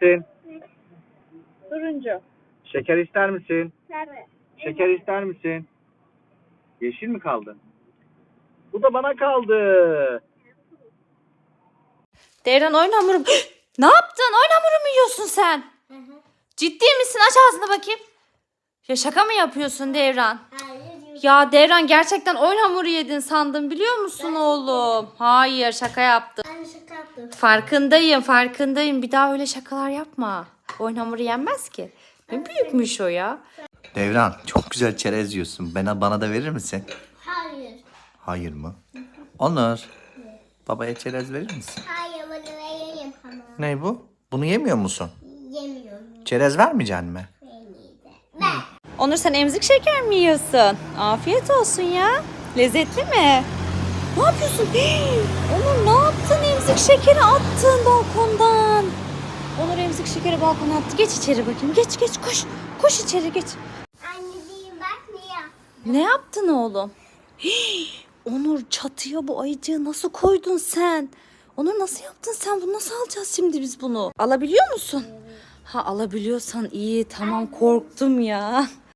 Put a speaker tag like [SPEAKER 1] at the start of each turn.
[SPEAKER 1] misin?
[SPEAKER 2] Turuncu.
[SPEAKER 1] Şeker ister misin?
[SPEAKER 2] Sarı.
[SPEAKER 1] Şeker ister misin? Yeşil mi kaldı? Bu da bana kaldı.
[SPEAKER 3] Devran oyun hamuru. Ne yaptın? Oyun hamuru mu yiyorsun sen? Ciddi misin? Aç ağzını bakayım. Ya şaka mı yapıyorsun Devran?
[SPEAKER 4] Hayır.
[SPEAKER 3] Ya Devran gerçekten oyun hamuru yedin sandım biliyor musun oğlum? Hayır şaka yaptım.
[SPEAKER 4] Ben şaka yaptım.
[SPEAKER 3] Farkındayım. Bir daha öyle şakalar yapma. Oyun hamuru yenmez ki. Ne büyükmüş o ya.
[SPEAKER 5] Devran çok güzel çerez yiyorsun. Bana da verir misin?
[SPEAKER 4] Hayır.
[SPEAKER 5] Hayır mı? Onur. Babaya çerez verir misin?
[SPEAKER 4] Hayır, bunu vereyim ama.
[SPEAKER 5] Ne bu? Bunu yemiyor musun?
[SPEAKER 4] Yemiyorum.
[SPEAKER 5] Çerez vermeyeceksin mi?
[SPEAKER 4] Ver.
[SPEAKER 3] Onur sen emzik şeker mi yiyorsun? Afiyet olsun ya. Lezzetli mi? Ne yapıyorsun? Onur ne yaptın? Emzik şekeri attın balkondan. Onur emzik şekeri balkona attı. Geç içeri bakayım. Geç koş. Koş içeri geç.
[SPEAKER 4] Anneciğim bak niye?
[SPEAKER 3] Ne yaptın oğlum? Onur çatıya bu ayıcığı nasıl koydun sen? Onur nasıl yaptın sen? Bunu nasıl alacağız şimdi biz bunu? Alabiliyor musun? Ha alabiliyorsan iyi. Tamam korktum ya.